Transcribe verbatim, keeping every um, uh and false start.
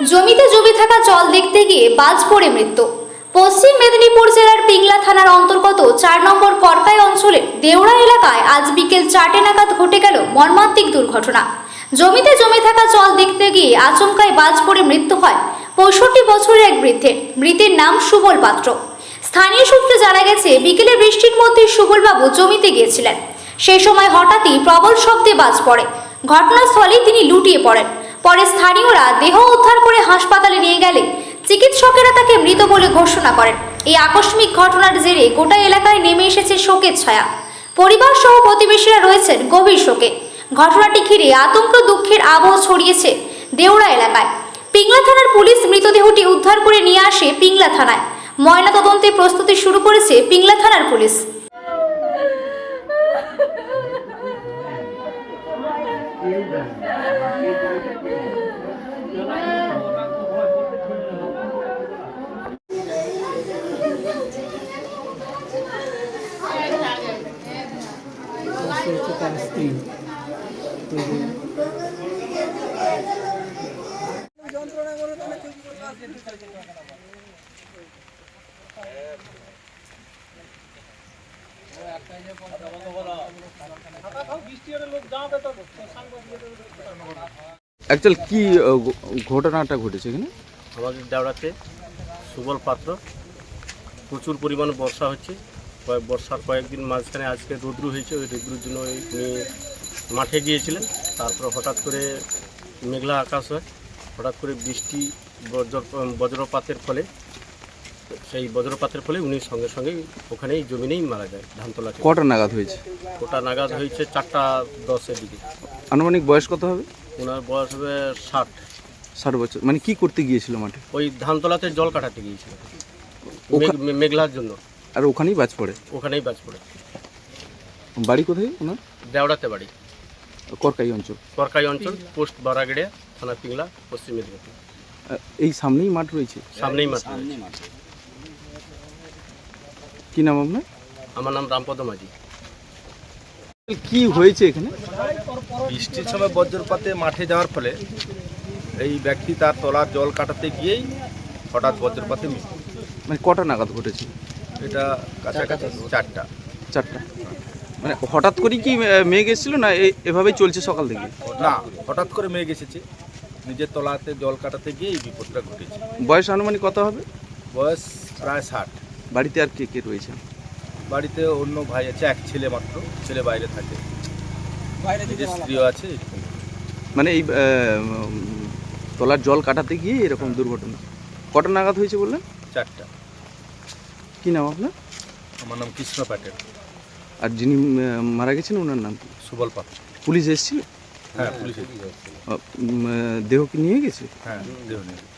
জমিতে জমে থাকা জল দেখতে গিয়ে বাজ পড়ে মৃত্যু। পশ্চিম মেদিনীপুর জেলার পিংলা থানার অন্তর্গত চার নম্বর করকাই অঞ্চলের দেওড়া এলাকায় আজ বিকেল চারটে নাগাদ ঘটে গেল মর্মান্তিক দুর্ঘটনা। জমিতে জমে থাকা জল দেখতে গিয়ে আচমকায় বাজ পড়ে মৃত্যু হয় পঁয়ষট্টি বছরের এক বৃদ্ধের। মৃতের নাম সুবল পাত্র। স্থানীয় সূত্রে জানা গেছে, বিকেলে বৃষ্টির মধ্যে সুবলবাবু জমিতে গিয়েছিলেন। সেই সময় হঠাৎই প্রবল শব্দে বাজ পড়ে। ঘটনাস্থলেই তিনি লুটিয়ে পড়েন। পরে স্থানীয়রা দেহ উদ্ধার করে হাসপাতালে নিয়ে গেলে চিকিৎসকেরা তাকে মৃত বলে ঘোষণা করেন। এই আকস্মিক ঘটনার জেরে গোটা এলাকায় নেমে এসেছে শোকের ছায়া। পরিবার সহ প্রতিবেশীরা রয়েছেন গভীর শোকে। ঘটনাটি ঘিরে আতঙ্ক দুঃখের আবহ ছড়িয়েছে দেওড়া এলাকায়। পিংলা থানার পুলিশ মৃতদেহটি উদ্ধার করে নিয়ে আসে পিংলা থানায়। ময়নাতদন্তের প্রস্তুতি শুরু করেছে পিংলা থানার পুলিশ। অ্যাকচুয়ালি কি ঘটনাটা ঘটেছে এখানে? আমাদের দেওড়াতে সুবল পাত্র, প্রচুর পরিমাণে বর্ষা হচ্ছে। বর্ষার কয়েকদিন মাঝখানে আজকে রৌদ্র হয়েছে। ওই রৌদ্রের জন্য উনি মাঠে গিয়েছিলেন। তারপর হঠাৎ করে মেঘলা আকাশ হয়, হঠাৎ করে বৃষ্টি বজ্র বজ্রপাতের ফলে সেই বজ্রপাতের ফলে উনি সঙ্গে সঙ্গে ওখানেই জমিনেই মারা যায়। ধানতলা কটা নাগাদ হয়েছে? ওটা নাগাদ হয়েছে চারটা দশের দিকে। আনুমানিক বয়স কত হবে? ওনার বয়স হবে ষাট ষাট বছর। মানে কি করতে গিয়েছিল মাঠে? ওই ধানতলাতে জল কাটাতে গিয়েছিল মেঘলার জন্য। আর ওখানেই বাজ পড়ে? ওখানেই বাজ পড়ে। বাড়ি কোথায় ওনার? দেওড়াতে বাড়ি, করকাই অঞ্চল। করকাই অঞ্চল, পোস্ট বারাগড়িয়া, থানা পিংলা, পশ্চিম মেদিনীপুর। এই সামনেই মাঠ রয়েছে? সামনেই মাঠ। কি নাম আপনার? আমার নাম রামপদ মাঝি। কি হয়েছে এখানে? বৃষ্টির সময় বজ্রপাতে মাঠে যাওয়ার ফলে এই ব্যক্তি তার তলার জল কাটাতে গিয়েই হঠাৎ বজ্রপাতে মৃত্যু। মানে কটা নাগাদ ঘটেছে এটা কাছাকাছি চারটা চারটা মানে হঠাৎ করে কি মেঘ এসেছিল না এভাবেই চলছে সকাল থেকে? না, হঠাৎ করে মেঘ এসেছে। নিজের তলাতে জল কাটাতে গিয়ে এই বিপদটা ঘটেছে। বয়স আনুমানিক কত হবে? বয়স প্রায় ষাট। বাড়িতে আর কে কে রয়েছে? বাড়িতে অন্য ভাই আছে, এক ছেলে মাত্র। ছেলে বাইরে থাকে, নিজের স্ত্রীও আছে। মানে এই তলার জল কাটাতে গিয়ে এরকম দুর্ঘটনা। কটা নাগাদ হয়েছে বললেন? চারটা। কি নাম আপনার? আমার নাম কৃষ্ণ প্যাটেল। আর যিনি মারা গেছেন ওনার নাম কি? সুবল পাত্র। পুলিশ এসেছিল? হ্যাঁ, পুলিশ। দেহ কি নিয়ে গেছে? হ্যাঁ, দেহ নিয়ে